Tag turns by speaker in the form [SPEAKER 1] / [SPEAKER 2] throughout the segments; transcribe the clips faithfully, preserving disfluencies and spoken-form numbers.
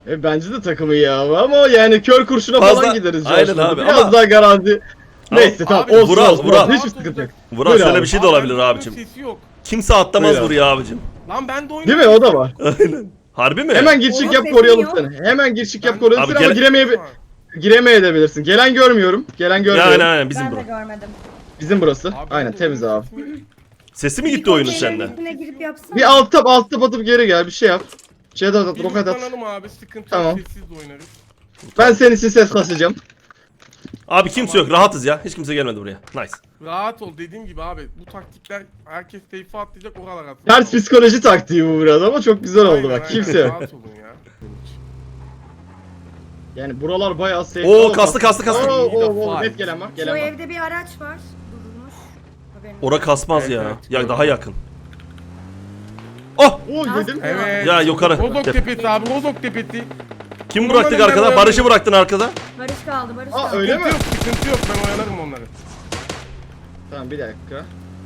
[SPEAKER 1] E, bence de takımı iyi abi ama yani kör kurşuna
[SPEAKER 2] Fazla-
[SPEAKER 1] falan gideriz.
[SPEAKER 2] Aynen
[SPEAKER 1] Coşkun'da.
[SPEAKER 2] abi,
[SPEAKER 1] Biraz
[SPEAKER 2] ama-
[SPEAKER 1] daha garanti. Neyse tamam
[SPEAKER 3] Abi,
[SPEAKER 1] olsun
[SPEAKER 2] Vural,
[SPEAKER 1] olsun.
[SPEAKER 2] Vural.
[SPEAKER 1] Hiçbir sıkıntı yok.
[SPEAKER 2] Vural
[SPEAKER 1] Buyur
[SPEAKER 2] şöyle
[SPEAKER 1] abi.
[SPEAKER 2] bir şey de
[SPEAKER 3] Abi,
[SPEAKER 2] olabilir
[SPEAKER 3] bende
[SPEAKER 2] abicim.
[SPEAKER 3] oyunun Sesi yok.
[SPEAKER 2] Kimse atlamaz
[SPEAKER 1] Buyur abi.
[SPEAKER 2] buraya abicim.
[SPEAKER 3] Lan ben de oyunun
[SPEAKER 1] Değil mi o da var.
[SPEAKER 2] Aynen. Harbi mi?
[SPEAKER 1] Hemen girişik
[SPEAKER 4] Oğlum
[SPEAKER 1] yap
[SPEAKER 4] sesim
[SPEAKER 1] koruyalım
[SPEAKER 4] yok.
[SPEAKER 1] seni. Hemen girişik yap
[SPEAKER 3] Ben-
[SPEAKER 1] koruyalım
[SPEAKER 2] Abi
[SPEAKER 1] seni ama
[SPEAKER 2] gele-
[SPEAKER 1] giremeye giremeyebilirsin. Gelen görmüyorum. Gelen
[SPEAKER 2] Ya
[SPEAKER 1] görmüyorum.
[SPEAKER 2] aynen aynen bizim
[SPEAKER 4] Ben de
[SPEAKER 2] bura.
[SPEAKER 4] görmedim.
[SPEAKER 1] Bizim burası.
[SPEAKER 3] Abi,
[SPEAKER 1] Aynen
[SPEAKER 3] ben de
[SPEAKER 1] temiz
[SPEAKER 3] oyunun
[SPEAKER 1] abi.
[SPEAKER 3] sesini-
[SPEAKER 2] Sesi mi
[SPEAKER 4] Bir
[SPEAKER 2] gitti oyunun
[SPEAKER 4] konteynerin
[SPEAKER 2] senden?
[SPEAKER 4] içine girip yapsana.
[SPEAKER 1] Bir alt tab alt tab atıp geri gel bir şey yap. Şey de at
[SPEAKER 3] Bir
[SPEAKER 1] roket at.
[SPEAKER 3] yutlanalım abi, sıkıntı
[SPEAKER 1] Tamam.
[SPEAKER 3] yok, sessiz de oynarız.
[SPEAKER 1] Ben senin için ses kasacağım.
[SPEAKER 2] Abi kimse yok, rahatız ya. Hiç kimse gelmedi buraya. Nice.
[SPEAKER 3] Rahat ol, dediğim gibi abi, bu taktikler herkes teyfe atlayacak, oralar atlayacak.
[SPEAKER 1] Ters psikoloji taktiği bu biraz ama çok güzel oldu bak. Kimse yok.
[SPEAKER 3] Rahat olun ya.
[SPEAKER 1] Yani buralar bayağı safe.
[SPEAKER 2] Oo, kastı, kastı, kastı.
[SPEAKER 1] Oo, oo, oo,
[SPEAKER 3] Five.
[SPEAKER 1] net gelen var.
[SPEAKER 4] Bu
[SPEAKER 1] Gelen var.
[SPEAKER 4] evde bir araç var. Durmuş. Haberin
[SPEAKER 2] Ora kasmaz
[SPEAKER 3] Evet,
[SPEAKER 2] ya.
[SPEAKER 3] evet.
[SPEAKER 2] Ya daha yakın. Oh!
[SPEAKER 1] Oo yedim.
[SPEAKER 3] Evet.
[SPEAKER 2] Ya yukarı.
[SPEAKER 3] Rozok
[SPEAKER 2] Gel.
[SPEAKER 3] tepesi abi, Rozok tepesi.
[SPEAKER 2] Kim
[SPEAKER 3] Bunların
[SPEAKER 2] bıraktık
[SPEAKER 3] ben
[SPEAKER 2] arkada?
[SPEAKER 3] oynarım.
[SPEAKER 2] Barış'ı bıraktın arkada.
[SPEAKER 4] Barış kaldı, Barış
[SPEAKER 1] Aa,
[SPEAKER 4] kaldı.
[SPEAKER 1] öyle
[SPEAKER 3] Sıkıntı
[SPEAKER 1] mi?
[SPEAKER 3] yok, sıkıntı yok, ben oyalarım onları.
[SPEAKER 1] Tamam bir dakika.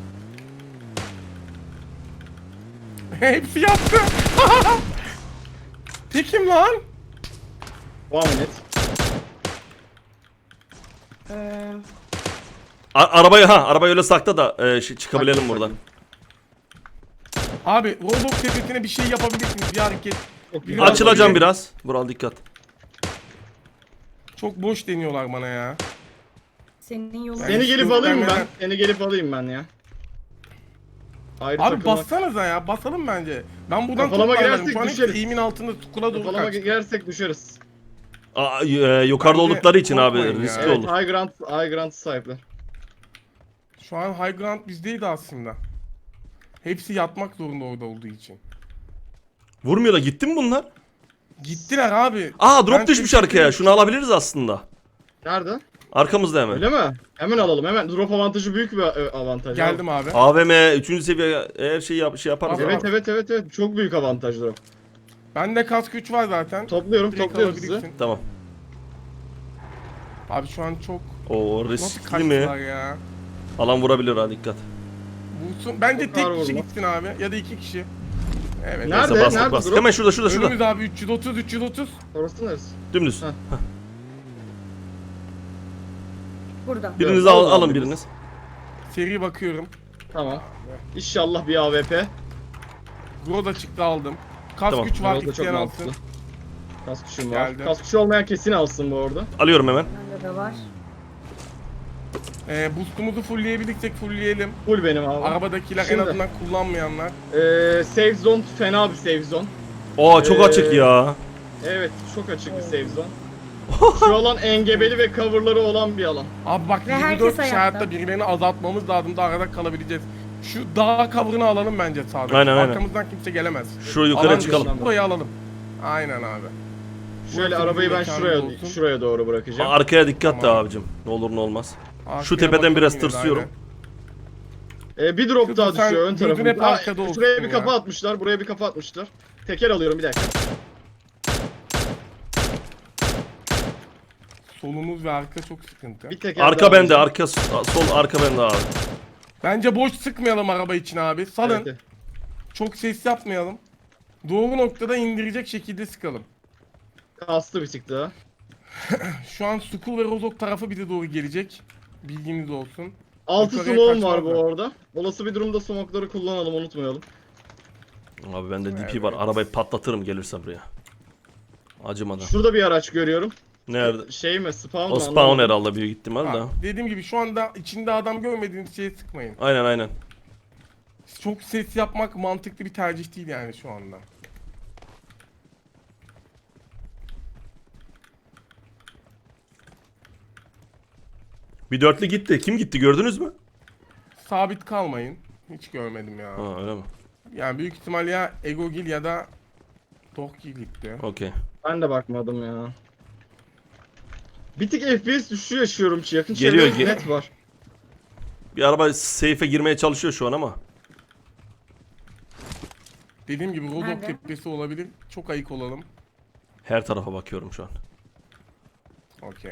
[SPEAKER 3] Hepsi yaptı. Tekim lan.
[SPEAKER 1] One minute.
[SPEAKER 4] Ee,
[SPEAKER 2] A- arabayı ha, arabayı öyle sakla da e, şey, çıkabilelim
[SPEAKER 1] Sakla,
[SPEAKER 2] buradan.
[SPEAKER 3] Abi Rozok tepesine bir şey yapabilirsiniz, bir hareket.
[SPEAKER 1] Çok
[SPEAKER 3] Biraz
[SPEAKER 2] Açılacağım
[SPEAKER 3] böyle-
[SPEAKER 2] biraz. Vural dikkat.
[SPEAKER 3] Çok boş deniyorlar bana ya.
[SPEAKER 4] senin yolun.
[SPEAKER 3] Ben-
[SPEAKER 1] Seni gelip
[SPEAKER 3] Yok,
[SPEAKER 1] alayım
[SPEAKER 3] ben-
[SPEAKER 1] ben. Seni gelip alayım ben ya. Ayrı
[SPEAKER 3] Abi
[SPEAKER 1] takılmak.
[SPEAKER 3] bassanıza ya, basalım bence. Ben buradan
[SPEAKER 1] Kafalama
[SPEAKER 3] toplarlarım.
[SPEAKER 1] girersek
[SPEAKER 3] Şu an hepsi
[SPEAKER 1] düşeriz.
[SPEAKER 3] eğimin altında, tukula doğru
[SPEAKER 1] Kafalama
[SPEAKER 3] kaç.
[SPEAKER 1] girersek düşeriz.
[SPEAKER 2] Aa, e, yukarıda
[SPEAKER 3] Bence
[SPEAKER 2] oldukları için abi
[SPEAKER 3] korkmayın ya.
[SPEAKER 2] riskli
[SPEAKER 1] Evet,
[SPEAKER 2] olur.
[SPEAKER 1] high ground, high ground sahipler.
[SPEAKER 3] Şu an high ground bizdeydi aslında. Hepsi yatmak zorunda orada olduğu için.
[SPEAKER 2] Vurmuyor da gitti mi bunlar?
[SPEAKER 3] Gittiler abi.
[SPEAKER 2] Aa, drop
[SPEAKER 3] Ben
[SPEAKER 2] düşmüş
[SPEAKER 3] tek-
[SPEAKER 2] arkaya. Şunu alabiliriz aslında.
[SPEAKER 1] Nerede?
[SPEAKER 2] Arkamızda hemen.
[SPEAKER 1] Öyle mi? Hemen alalım hemen. Drop avantajı büyük bir e, avantaj.
[SPEAKER 3] Geldim abi.
[SPEAKER 2] A V M üçüncü seviye her şeyi yap, şey yaparız.
[SPEAKER 3] Abi,
[SPEAKER 2] abi.
[SPEAKER 1] Evet evet evet evet. Çok büyük avantaj drop.
[SPEAKER 3] Bende kask güç var zaten.
[SPEAKER 1] Topluyorum
[SPEAKER 3] Direkt
[SPEAKER 1] topluyorum sizi.
[SPEAKER 3] alabilirsin.
[SPEAKER 2] Tamam.
[SPEAKER 3] Abi şu an çok
[SPEAKER 2] O
[SPEAKER 3] nasıl
[SPEAKER 2] riskli
[SPEAKER 3] kaçtılar
[SPEAKER 2] mi?
[SPEAKER 3] ya.
[SPEAKER 2] Alan vurabilir ha, dikkat.
[SPEAKER 3] Vursun. Bence
[SPEAKER 1] Çok
[SPEAKER 3] tek
[SPEAKER 1] ağır
[SPEAKER 3] kişi
[SPEAKER 1] vurma.
[SPEAKER 3] gitsin abi ya da iki kişi. Evet.
[SPEAKER 1] Nerede?
[SPEAKER 2] Neyse bastık
[SPEAKER 1] Nerede
[SPEAKER 2] bastık.
[SPEAKER 1] drop?
[SPEAKER 2] Hemen şurada şurada şurada.
[SPEAKER 3] Önümüz abi üç yüz otuz üç yüz otuz.
[SPEAKER 1] Orası neresi?
[SPEAKER 2] Dümdüz.
[SPEAKER 1] Heh.
[SPEAKER 4] Burada.
[SPEAKER 2] Biriniz
[SPEAKER 1] Evet,
[SPEAKER 2] al,
[SPEAKER 1] alalım
[SPEAKER 2] alın
[SPEAKER 1] abi.
[SPEAKER 2] biriniz.
[SPEAKER 3] Seri bakıyorum.
[SPEAKER 1] Tamam. İnşallah bir A W P.
[SPEAKER 3] Groza çıktı aldım. Kask
[SPEAKER 2] Tamam,
[SPEAKER 3] güç var,
[SPEAKER 1] Orada çok
[SPEAKER 3] isteyen
[SPEAKER 1] mantıklı.
[SPEAKER 3] alsın.
[SPEAKER 1] Kas kuşum var.
[SPEAKER 3] Geldi.
[SPEAKER 1] Kas kuşu olmayan kesin alsın bu arada.
[SPEAKER 2] Alıyorum hemen.
[SPEAKER 4] Bende de var.
[SPEAKER 3] Ee, boostumuzu fullleyebilirsek fullleyelim.
[SPEAKER 1] Full benim abi.
[SPEAKER 3] Arabadakiler
[SPEAKER 1] Şimdi.
[SPEAKER 3] en azından kullanmayanlar.
[SPEAKER 1] Ee, safe zone fena bir safe zone.
[SPEAKER 2] Oo, çok
[SPEAKER 1] Ee,
[SPEAKER 2] açık ya.
[SPEAKER 1] Evet çok açık bir safe zone. Şu alan engebeli ve coverları olan bir alan.
[SPEAKER 3] Abi bak
[SPEAKER 4] Ve
[SPEAKER 3] yirmi
[SPEAKER 4] herkes
[SPEAKER 3] dört kişi
[SPEAKER 4] ayakta.
[SPEAKER 3] hayatta birilerini azaltmamız lazım da arada kalabileceğiz. Şu dağ cover'ını alalım bence sağda.
[SPEAKER 2] Aynen, aynen.
[SPEAKER 3] Arkamızdan kimse gelemez.
[SPEAKER 2] Şu yukarı
[SPEAKER 3] Alan
[SPEAKER 2] çıkalım.
[SPEAKER 3] dışı burayı alalım. Aynen abi.
[SPEAKER 1] Şöyle
[SPEAKER 3] Burası
[SPEAKER 1] arabayı
[SPEAKER 3] bizim
[SPEAKER 1] ben şuraya
[SPEAKER 3] mekanımız olsun.
[SPEAKER 1] şuraya doğru bırakacağım.
[SPEAKER 2] Arkaya dikkat de
[SPEAKER 3] Tamam.
[SPEAKER 2] abicim. Ne olur ne olmaz.
[SPEAKER 3] Arkaya
[SPEAKER 2] Şu tepeden
[SPEAKER 3] bakalım
[SPEAKER 2] biraz
[SPEAKER 3] yine de,
[SPEAKER 2] tırsıyorum.
[SPEAKER 3] aynen.
[SPEAKER 1] Ee, bir drop
[SPEAKER 3] Kızım
[SPEAKER 1] daha
[SPEAKER 3] sen
[SPEAKER 1] düşüyor ön
[SPEAKER 3] gözün hep
[SPEAKER 1] tarafında.
[SPEAKER 3] arkada
[SPEAKER 1] Aa,
[SPEAKER 3] olsun
[SPEAKER 1] şuraya bir
[SPEAKER 3] ya.
[SPEAKER 1] kafa atmışlar. Buraya bir kafa atmışlar. Teker alıyorum bir dakika.
[SPEAKER 3] Solumuz ve arka çok sıkıntı.
[SPEAKER 1] Bir teker
[SPEAKER 2] Arka
[SPEAKER 1] daha
[SPEAKER 2] bende,
[SPEAKER 1] alacağım.
[SPEAKER 2] arka sol arka bende abi.
[SPEAKER 3] Bence boş sıkmayalım araba için abi. Salın.
[SPEAKER 1] Evet, evet.
[SPEAKER 3] Çok ses yapmayalım. Doğru noktada indirecek şekilde sıkalım.
[SPEAKER 1] Kastı bir tık daha.
[SPEAKER 3] Şu an Sukul ve Rozok tarafı bize doğru gelecek. Bilginiz olsun.
[SPEAKER 1] Altı
[SPEAKER 3] Yukarıya
[SPEAKER 1] smoke'um var bu
[SPEAKER 3] kaçmazlar.
[SPEAKER 1] arada. Olası bir durumda smoke'ları kullanalım unutmayalım.
[SPEAKER 2] Abi bende D P
[SPEAKER 3] Evet.
[SPEAKER 2] var. Arabayı patlatırım gelirse buraya. Acımadan.
[SPEAKER 1] Şurada bir araç görüyorum.
[SPEAKER 2] Nerede?
[SPEAKER 1] Şey mi? Spawn
[SPEAKER 2] O
[SPEAKER 1] mı?
[SPEAKER 2] spawn
[SPEAKER 1] Anlamadım.
[SPEAKER 2] herhalde büyük ihtimal
[SPEAKER 3] Ha,
[SPEAKER 2] da.
[SPEAKER 3] dediğim gibi şu anda içinde adam görmediğiniz şeye sıkmayın.
[SPEAKER 2] Aynen aynen.
[SPEAKER 3] Çok ses yapmak mantıklı bir tercih değil yani şu anda.
[SPEAKER 2] Bir dörtlü gitti. Kim gitti gördünüz mü?
[SPEAKER 3] Sabit kalmayın. Hiç görmedim ya.
[SPEAKER 2] Ha öyle mi?
[SPEAKER 3] Yani büyük ihtimal ya Egogil ya da Dokgil gitti.
[SPEAKER 2] Okey.
[SPEAKER 1] Ben de bakmadım ya. Bir tık F P S düşüşü yaşıyorum ki yakın
[SPEAKER 2] Geliyor,
[SPEAKER 1] çevrede
[SPEAKER 2] gel-
[SPEAKER 1] net var.
[SPEAKER 2] Bir araba safe'e girmeye çalışıyor şu an ama.
[SPEAKER 3] Dediğim gibi Rozok
[SPEAKER 4] Nerede?
[SPEAKER 3] tepesi olabilir. Çok ayık olalım.
[SPEAKER 2] Her tarafa bakıyorum şu an.
[SPEAKER 3] Okey.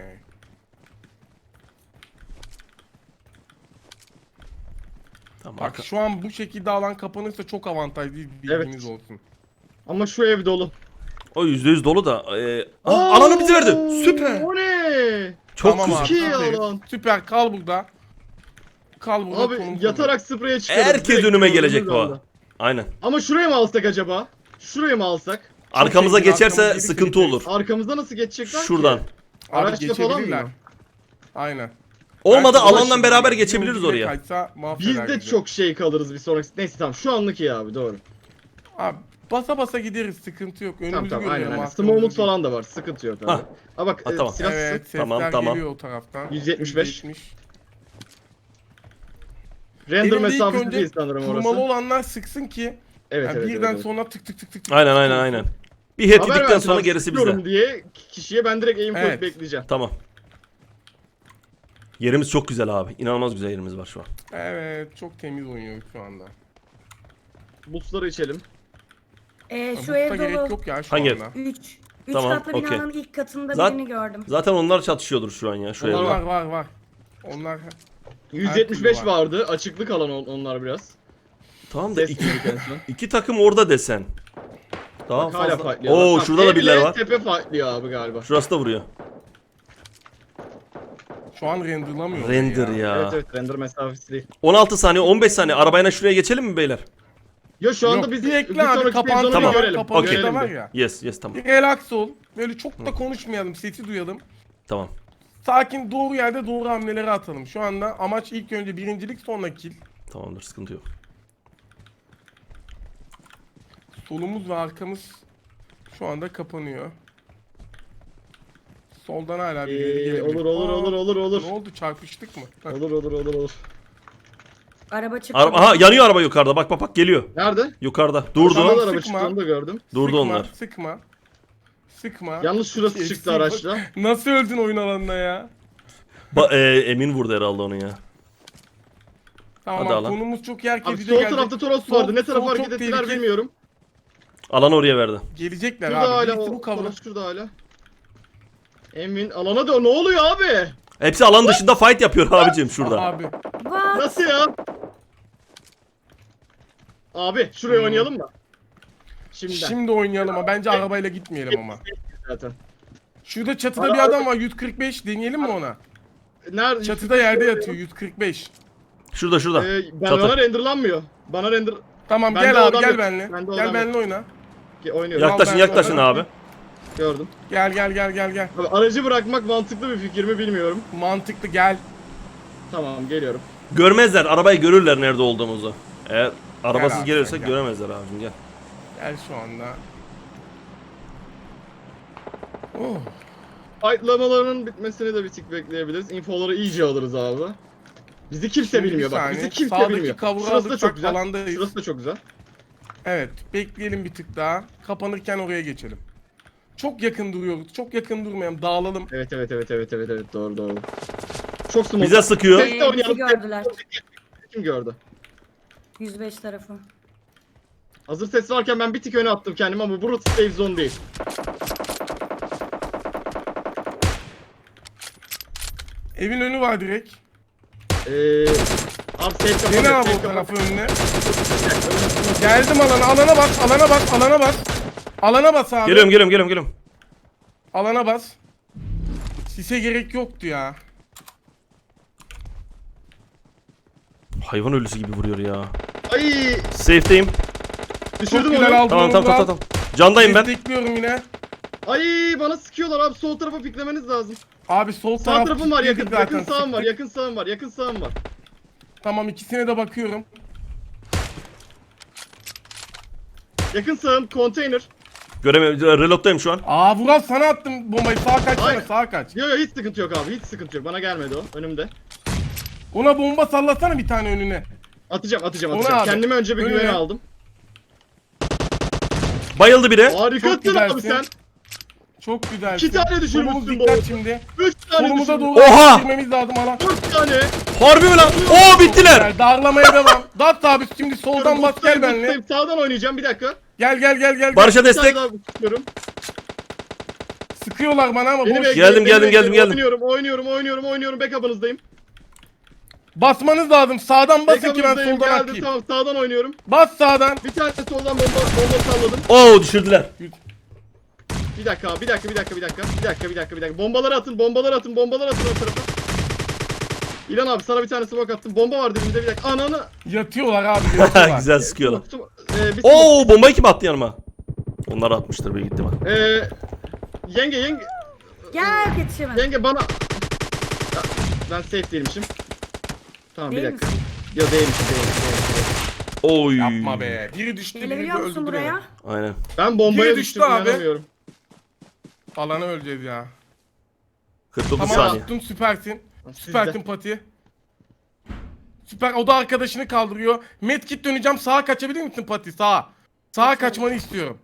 [SPEAKER 2] Tamam.
[SPEAKER 3] Bak
[SPEAKER 2] arka-
[SPEAKER 3] şu an bu şekilde alan kapanırsa çok avantajlı, bilginiz
[SPEAKER 1] Evet.
[SPEAKER 3] olsun.
[SPEAKER 1] Ama şu ev dolu.
[SPEAKER 2] O yüzde yüz dolu da. Ee, aa, alanı bize verdi. Süper.
[SPEAKER 1] O ne?
[SPEAKER 2] Çok
[SPEAKER 3] Tamam
[SPEAKER 2] güzel.
[SPEAKER 3] abi,
[SPEAKER 1] Çok iyi
[SPEAKER 3] süper.
[SPEAKER 1] alan.
[SPEAKER 3] Süper, kal burada. Kal burada.
[SPEAKER 1] Abi
[SPEAKER 3] konum
[SPEAKER 1] yatarak spreye çıkıyoruz.
[SPEAKER 2] Herkes
[SPEAKER 1] Direkt
[SPEAKER 2] önüme
[SPEAKER 1] gördüğümüz
[SPEAKER 2] gelecek bu.
[SPEAKER 1] anda.
[SPEAKER 2] Aynen.
[SPEAKER 1] Ama şuraya mı alsak acaba? Şuraya mı alsak?
[SPEAKER 2] Arkamıza
[SPEAKER 3] zengin,
[SPEAKER 2] geçerse
[SPEAKER 3] arkamız
[SPEAKER 2] sıkıntı
[SPEAKER 3] yedi
[SPEAKER 2] olur.
[SPEAKER 1] Arkamızda nasıl geçecekler
[SPEAKER 2] Şuradan.
[SPEAKER 1] ki?
[SPEAKER 3] Abi
[SPEAKER 1] Araçla falan
[SPEAKER 3] geçebilirler.
[SPEAKER 1] mı?
[SPEAKER 3] Aynen.
[SPEAKER 2] Olmadı
[SPEAKER 3] Belki
[SPEAKER 2] alandan
[SPEAKER 3] ulaşım
[SPEAKER 2] beraber
[SPEAKER 3] bir
[SPEAKER 2] geçebiliriz
[SPEAKER 3] ucuyla
[SPEAKER 2] oraya.
[SPEAKER 3] kaçsa
[SPEAKER 1] Biz
[SPEAKER 3] mahveder
[SPEAKER 1] de
[SPEAKER 3] bizi.
[SPEAKER 1] çok şey kalırız bir sonraki. Neyse tamam şu anlık iyi abi doğru.
[SPEAKER 3] Abi basa basa gideriz, sıkıntı yok. Önümüzü
[SPEAKER 1] Tamam tamam aynen
[SPEAKER 3] görüyorum.
[SPEAKER 1] aynen.
[SPEAKER 3] arkamızı
[SPEAKER 1] Smallmut
[SPEAKER 3] değil.
[SPEAKER 1] falan da var sıkıntı yok abi.
[SPEAKER 2] Hah.
[SPEAKER 1] Ha bak
[SPEAKER 2] Ha,
[SPEAKER 1] e,
[SPEAKER 2] tamam.
[SPEAKER 1] silahsın.
[SPEAKER 3] Evet, sesler
[SPEAKER 2] Tamam, tamam.
[SPEAKER 3] geliyor o taraftan.
[SPEAKER 1] yüz yetmiş beş.
[SPEAKER 3] yüz yetmiş.
[SPEAKER 1] Render
[SPEAKER 3] Elimde ilk
[SPEAKER 1] mesafesi
[SPEAKER 3] önce
[SPEAKER 1] değil sanırım
[SPEAKER 3] kurmalı
[SPEAKER 1] orası.
[SPEAKER 3] olanlar sıksın ki
[SPEAKER 1] Evet
[SPEAKER 3] yani
[SPEAKER 1] evet.
[SPEAKER 3] birden
[SPEAKER 1] evet, evet.
[SPEAKER 3] sonra tık tık tık tık tık.
[SPEAKER 2] Aynen
[SPEAKER 3] tık
[SPEAKER 2] aynen
[SPEAKER 3] olsun.
[SPEAKER 2] aynen. Bir head
[SPEAKER 1] Haber
[SPEAKER 2] yedikten
[SPEAKER 1] versin
[SPEAKER 2] sonra
[SPEAKER 1] abi,
[SPEAKER 2] gerisi
[SPEAKER 1] sıkıyorum
[SPEAKER 2] bize.
[SPEAKER 1] diye kişiye ben direkt aim
[SPEAKER 3] Evet.
[SPEAKER 1] koyup bekleyeceğim.
[SPEAKER 2] Tamam. Yerimiz çok güzel abi. İnanılmaz güzel yerimiz var şu an.
[SPEAKER 3] Evet, çok temiz oynuyoruz şu anda.
[SPEAKER 1] Boostları içelim.
[SPEAKER 4] Ee, şu
[SPEAKER 3] Butta
[SPEAKER 4] ev
[SPEAKER 3] gerek
[SPEAKER 4] dolu.
[SPEAKER 3] yok ya şu
[SPEAKER 2] Hangi ev?
[SPEAKER 3] anda.
[SPEAKER 4] üç. üç
[SPEAKER 2] Tamam,
[SPEAKER 4] katlı
[SPEAKER 2] okey.
[SPEAKER 4] binanın ilk katında
[SPEAKER 2] Zat-
[SPEAKER 4] birini gördüm.
[SPEAKER 2] Zaten onlar çatışıyordur şu an ya. Şu
[SPEAKER 1] Onlar
[SPEAKER 2] evde.
[SPEAKER 3] Var var var. Onlar
[SPEAKER 1] yüz yetmiş beş
[SPEAKER 3] türlü var.
[SPEAKER 1] vardı. Açıklık alan on- onlar biraz.
[SPEAKER 2] Tamam da
[SPEAKER 1] Ses
[SPEAKER 2] iki,
[SPEAKER 1] duyduk en son.
[SPEAKER 2] iki takım orada desen. Daha
[SPEAKER 1] Bak, hala
[SPEAKER 2] fazla.
[SPEAKER 1] fightlıyorlar.
[SPEAKER 2] Oo
[SPEAKER 1] Tamam,
[SPEAKER 2] şurada da
[SPEAKER 1] evle
[SPEAKER 2] birileri var.
[SPEAKER 1] Tepe fightlıyor abi galiba.
[SPEAKER 2] Şurası da vuruyor.
[SPEAKER 3] şu an renderlamıyor.
[SPEAKER 2] Render ya.
[SPEAKER 1] Evet evet render mesafesi değil.
[SPEAKER 2] on altı saniye on beş saniye arabayla şuraya geçelim mi beyler?
[SPEAKER 1] Ya şu anda
[SPEAKER 3] Yok,
[SPEAKER 1] biz
[SPEAKER 3] bir
[SPEAKER 1] bir
[SPEAKER 3] ekle abi,
[SPEAKER 1] sonraki
[SPEAKER 3] kapandı
[SPEAKER 1] sezonu
[SPEAKER 2] Tamam.
[SPEAKER 1] görelim.
[SPEAKER 3] kapandı
[SPEAKER 2] Okey.
[SPEAKER 1] Görelim
[SPEAKER 3] var
[SPEAKER 1] bir.
[SPEAKER 3] ya.
[SPEAKER 2] Yes yes tamam.
[SPEAKER 3] Bir relax ol. Böyle çok da konuşmayalım, sesi duyalım.
[SPEAKER 2] Tamam.
[SPEAKER 3] Sakin, doğru yerde doğru hamleleri atalım. Şu anda amaç ilk önce birincilik, sonra kill.
[SPEAKER 2] Tamamdır sıkıntı yok.
[SPEAKER 3] Solumuz ve arkamız şu anda kapanıyor. Soldan hala birileri
[SPEAKER 1] Ee,
[SPEAKER 3] gelebilir.
[SPEAKER 1] olur olur
[SPEAKER 3] Aa,
[SPEAKER 1] olur olur olur.
[SPEAKER 3] Ne oldu, çarpıştık mı? Heh.
[SPEAKER 1] Olur olur olur olur.
[SPEAKER 4] Araba çıktı.
[SPEAKER 2] Araba, aha yanıyor araba yukarıda. Bak bak bak geliyor.
[SPEAKER 1] Nerede?
[SPEAKER 2] Yukarıda.
[SPEAKER 1] Tamam,
[SPEAKER 2] Durdu.
[SPEAKER 1] araba
[SPEAKER 3] sıkma.
[SPEAKER 1] çıktı onu da gördüm.
[SPEAKER 2] Durdu
[SPEAKER 3] Sıkma,
[SPEAKER 2] onlar.
[SPEAKER 3] Sıkma. Sıkma.
[SPEAKER 1] Yalnız şurası
[SPEAKER 3] Şey,
[SPEAKER 1] çıktı
[SPEAKER 3] sıkma.
[SPEAKER 1] araçla.
[SPEAKER 3] Nasıl öldün oyun alanına ya?
[SPEAKER 2] Ba e, Emin vurdu herhalde onu ya.
[SPEAKER 3] Tamam,
[SPEAKER 2] Hadi alan.
[SPEAKER 3] konumuz çok yer
[SPEAKER 1] Abi
[SPEAKER 3] kesici
[SPEAKER 1] sol
[SPEAKER 3] geldi.
[SPEAKER 1] tarafta Toros
[SPEAKER 3] Sol-
[SPEAKER 1] vardı. Ne tarafa
[SPEAKER 3] sol
[SPEAKER 1] hareket
[SPEAKER 3] çok
[SPEAKER 1] ettiler
[SPEAKER 3] tehlikeli.
[SPEAKER 1] bilmiyorum.
[SPEAKER 2] Alanı oraya verdi.
[SPEAKER 3] Gelecekler
[SPEAKER 1] Şurada
[SPEAKER 3] abi.
[SPEAKER 1] hala
[SPEAKER 3] Birisi
[SPEAKER 1] o
[SPEAKER 3] bu kavra.
[SPEAKER 1] Toros şurada hala. Emin alana da ne oluyor abi?
[SPEAKER 2] Hepsi alan dışında fight yapıyor abicim şurada.
[SPEAKER 3] Abi.
[SPEAKER 4] What?
[SPEAKER 1] Nasıl ya? Abi şuraya
[SPEAKER 3] Hmm.
[SPEAKER 1] oynayalım mı? Şimdiden.
[SPEAKER 3] Şimdi oynayalım ama bence arabayla gitmeyelim ama.
[SPEAKER 1] Zaten.
[SPEAKER 3] Şurada çatıda
[SPEAKER 1] Ara-
[SPEAKER 3] bir adam var, yüz kırk beş deneyelim mi ona?
[SPEAKER 1] Nerede?
[SPEAKER 3] Çatıda yerde yatıyor, yüz kırk beş.
[SPEAKER 2] Şurada şurada.
[SPEAKER 1] Ee, ben
[SPEAKER 2] Çatı.
[SPEAKER 1] bana renderlanmıyor. Bana render
[SPEAKER 3] Tamam
[SPEAKER 1] Bende
[SPEAKER 3] gel
[SPEAKER 1] o
[SPEAKER 3] abi
[SPEAKER 1] adam
[SPEAKER 3] gel
[SPEAKER 1] yok.
[SPEAKER 3] benimle.
[SPEAKER 1] Bende o
[SPEAKER 3] Gel
[SPEAKER 1] adam
[SPEAKER 3] benimle oyna.
[SPEAKER 1] oynuyorum.
[SPEAKER 2] Yaklaşın
[SPEAKER 3] ben-
[SPEAKER 2] yaklaşın
[SPEAKER 3] ben-
[SPEAKER 2] abi.
[SPEAKER 1] Gördüm.
[SPEAKER 3] Gel gel gel gel gel.
[SPEAKER 1] Abi aracı bırakmak mantıklı bir fikir mi bilmiyorum.
[SPEAKER 3] Mantıklı gel.
[SPEAKER 1] Tamam geliyorum.
[SPEAKER 2] Görmezler. Arabayı görürler nerede olduğumuzu. Eğer arabasız
[SPEAKER 3] abi,
[SPEAKER 2] gelirsek
[SPEAKER 3] gel.
[SPEAKER 2] göremezler abicim gel.
[SPEAKER 3] Gel şu anda. Oh.
[SPEAKER 1] Fightlamalarının bitmesini de bir tık bekleyebiliriz. Infoları iyice alırız abi. Bizi kimse
[SPEAKER 3] Şimdi bir
[SPEAKER 1] bilmiyor bak.
[SPEAKER 3] saniye.
[SPEAKER 1] Bizi kimse
[SPEAKER 3] Sağdaki
[SPEAKER 1] bilmiyor.
[SPEAKER 3] kavga
[SPEAKER 1] Şurası da
[SPEAKER 3] alırsak
[SPEAKER 1] çok güzel.
[SPEAKER 3] alandayız.
[SPEAKER 1] Şurası da çok güzel.
[SPEAKER 3] Evet, bekleyelim bir tık daha. Kapanırken oraya geçelim. Çok yakın duruyoruz. Çok yakın durmayalım. Dağılalım.
[SPEAKER 1] Evet evet evet evet evet evet doğru doğru. Çok smooth.
[SPEAKER 2] Bize sıkıyor.
[SPEAKER 1] Tek de
[SPEAKER 4] Ee, bizi
[SPEAKER 1] oynayalım.
[SPEAKER 4] gördüler.
[SPEAKER 1] Kim gördü?
[SPEAKER 4] yüz beş tarafı.
[SPEAKER 1] Hazır ses varken ben bir tık öne attım kendimi ama burası safe zone değil.
[SPEAKER 3] Evin önü var direkt.
[SPEAKER 1] Eee... Abi safe kapalı.
[SPEAKER 3] Dene abi
[SPEAKER 1] safe
[SPEAKER 3] o
[SPEAKER 1] kapalı.
[SPEAKER 3] tarafı önüne. Geldim alana. Alana bas. Alana bas. Alana bas. Alana bas abi.
[SPEAKER 2] Geliyorum geliyorum geliyorum geliyorum.
[SPEAKER 3] Alana bas. Sise gerek yoktu ya.
[SPEAKER 2] Hayvan ölüsü gibi vuruyor ya.
[SPEAKER 1] Ay
[SPEAKER 2] Safe'deyim.
[SPEAKER 3] Çok
[SPEAKER 1] düşürdüm
[SPEAKER 3] güzel
[SPEAKER 1] onu.
[SPEAKER 3] aldım.
[SPEAKER 2] Tamam
[SPEAKER 3] onu
[SPEAKER 2] tamam tamam
[SPEAKER 3] Murat.
[SPEAKER 2] tamam. Candayım ben.
[SPEAKER 3] Destekliyorum yine.
[SPEAKER 1] Ay bana sıkıyorlar abi sol tarafa piklemeniz lazım.
[SPEAKER 3] Abi sol
[SPEAKER 1] Sağ
[SPEAKER 3] taraf
[SPEAKER 1] tarafım var yakın,
[SPEAKER 3] kilitledik zaten,
[SPEAKER 1] yakın sağım var,
[SPEAKER 3] sıktık.
[SPEAKER 1] yakın sağım var, yakın sağım var.
[SPEAKER 3] Tamam, ikisine de bakıyorum.
[SPEAKER 1] Yakın sağım, konteyner.
[SPEAKER 2] Göremiyorum. Reload'dayım şu an.
[SPEAKER 3] Aa Vural, sana attım bombayı. Sağa kaçsana,
[SPEAKER 1] Aynen.
[SPEAKER 3] sağa kaç.
[SPEAKER 1] Yo yo hiç sıkıntı yok abi, hiç sıkıntı yok. Bana gelmedi o, önümde.
[SPEAKER 3] Ona bomba sallasana bir tane önüne.
[SPEAKER 1] Atacağım, atacağım,
[SPEAKER 3] Ona
[SPEAKER 1] atacağım.
[SPEAKER 3] abi.
[SPEAKER 1] Kendime önce bir
[SPEAKER 3] Önüne.
[SPEAKER 1] güvene aldım.
[SPEAKER 2] Bayıldı biri.
[SPEAKER 1] Harikasın
[SPEAKER 3] güzelsin.
[SPEAKER 1] abi sen.
[SPEAKER 3] Çok güzelsin.
[SPEAKER 1] İki tane düşürmüşsün
[SPEAKER 3] Solumuz
[SPEAKER 1] bu
[SPEAKER 3] dikkat
[SPEAKER 1] arada.
[SPEAKER 3] şimdi.
[SPEAKER 1] Üç tane
[SPEAKER 3] Solumuza
[SPEAKER 1] düşürdüm.
[SPEAKER 3] doğru
[SPEAKER 2] Oha!
[SPEAKER 3] girmemiz lazım alan.
[SPEAKER 1] Dört tane.
[SPEAKER 2] Harbi mi lan? Oo bittiler.
[SPEAKER 3] Yani darlamaya devam. Dat abi şimdi soldan bas gel
[SPEAKER 1] Buradayım,
[SPEAKER 3] benimle.
[SPEAKER 1] buradayım. Sağdan oynayacağım bir dakika.
[SPEAKER 3] Gel gel gel gel.
[SPEAKER 2] Barış'a
[SPEAKER 1] Bir tane
[SPEAKER 2] destek.
[SPEAKER 1] daha sıkıyorum.
[SPEAKER 3] Sıkıyorlar bana ama
[SPEAKER 1] Beni
[SPEAKER 3] boş.
[SPEAKER 1] bekleyin,
[SPEAKER 2] Geldim,
[SPEAKER 1] beni
[SPEAKER 2] geldim,
[SPEAKER 1] bekleyin.
[SPEAKER 2] geldim, geldim.
[SPEAKER 1] Oynuyorum, oynuyorum, oynuyorum, oynuyorum. Backup'ınızdayım.
[SPEAKER 3] Basmanız lazım. Sağdan basın ki ben
[SPEAKER 1] Backup'ınızdayım.
[SPEAKER 3] soldan
[SPEAKER 1] Geldim,
[SPEAKER 3] atayım.
[SPEAKER 1] tamam. Sağdan oynuyorum.
[SPEAKER 3] Bas sağdan.
[SPEAKER 1] Bir tane soldan bomba, bomba salladım.
[SPEAKER 2] Oo düşürdüler.
[SPEAKER 1] Bir dakika abi, bir dakika, bir dakika, bir dakika, bir dakika, bir dakika, bir dakika. Bombaları atın, bombaları atın, bombaları atın o tarafa. İlan abi sana bir tane smoke attım. Bomba var dibimde, bir dakika. Ananı.
[SPEAKER 3] Yatıyorlar abi yatıyorlar.
[SPEAKER 2] Güzel sıkıyorlar.
[SPEAKER 1] Ee, bir
[SPEAKER 2] Oo bombayı kim attı yanıma? Onlar atmıştır büyük ihtimal.
[SPEAKER 1] Ee, yenge, yenge,
[SPEAKER 4] Gel yetişemedim.
[SPEAKER 1] yenge bana. Ya, ben safe değilmişim. Tamam
[SPEAKER 4] Değil
[SPEAKER 1] bir dakika.
[SPEAKER 4] misin?
[SPEAKER 1] Yo değilmişim, değilmişim, değilmişim.
[SPEAKER 2] Oy.
[SPEAKER 3] Yapma be. Biri düştü biri
[SPEAKER 4] Gelebiliyor musun
[SPEAKER 3] öldürdü
[SPEAKER 4] buraya?
[SPEAKER 3] beni.
[SPEAKER 2] Aynen.
[SPEAKER 1] Ben bombaya
[SPEAKER 3] Biri
[SPEAKER 1] düştüm,
[SPEAKER 3] düştü abi.
[SPEAKER 1] inanamıyorum.
[SPEAKER 3] Alana öleceğiz ya.
[SPEAKER 2] kırk dokuz
[SPEAKER 3] Tamam
[SPEAKER 2] saniye.
[SPEAKER 3] attın süpersin.
[SPEAKER 1] Sizde.
[SPEAKER 3] Süpersin Pati. Süper o da arkadaşını kaldırıyor. Medkit döneceğim sağa kaçabilir misin Pati sağa? Sağa kaçmanı istiyorum.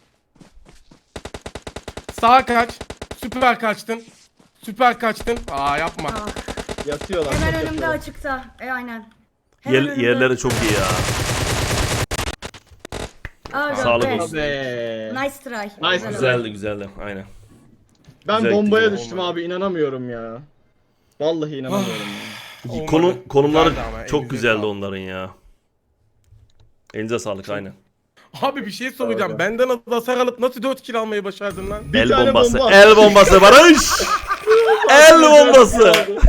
[SPEAKER 3] Sağa kaç. Süper kaçtın. Süper kaçtın. Aa yapma.
[SPEAKER 4] Ah,
[SPEAKER 1] Yatıyorlar.
[SPEAKER 4] hemen
[SPEAKER 1] çok
[SPEAKER 4] önümde
[SPEAKER 1] yatıyorlar.
[SPEAKER 4] açıkta. E aynen. Hemen
[SPEAKER 2] Yer,
[SPEAKER 4] önümde
[SPEAKER 2] yerleri
[SPEAKER 4] açıkta.
[SPEAKER 2] çok iyi ya.
[SPEAKER 4] Aga
[SPEAKER 2] Sağlık
[SPEAKER 4] be.
[SPEAKER 2] olsun.
[SPEAKER 1] Be.
[SPEAKER 4] Nice try.
[SPEAKER 1] Nice,
[SPEAKER 4] Güzel oldu.
[SPEAKER 2] Güzeldi güzeldi. Aynen.
[SPEAKER 1] Ben
[SPEAKER 2] Güzel
[SPEAKER 1] bombaya
[SPEAKER 2] gitti.
[SPEAKER 1] düştüm abi, inanamıyorum ya. Vallahi inanamıyorum ya.
[SPEAKER 3] Olmadı.
[SPEAKER 2] Konu, konumları
[SPEAKER 3] Güzeldi ama,
[SPEAKER 2] çok
[SPEAKER 3] elinize
[SPEAKER 2] güzeldi
[SPEAKER 3] sağlık.
[SPEAKER 2] onların ya. Elinize sağlık aynen.
[SPEAKER 3] Abi bir şey soracağım.
[SPEAKER 1] Abi.
[SPEAKER 3] Benden az hasar alıp nasıl dört kill almayı başardın lan?
[SPEAKER 1] Bir
[SPEAKER 2] El
[SPEAKER 1] tane
[SPEAKER 2] bombası.
[SPEAKER 1] bomba.
[SPEAKER 2] El bombası Barış. El bombası.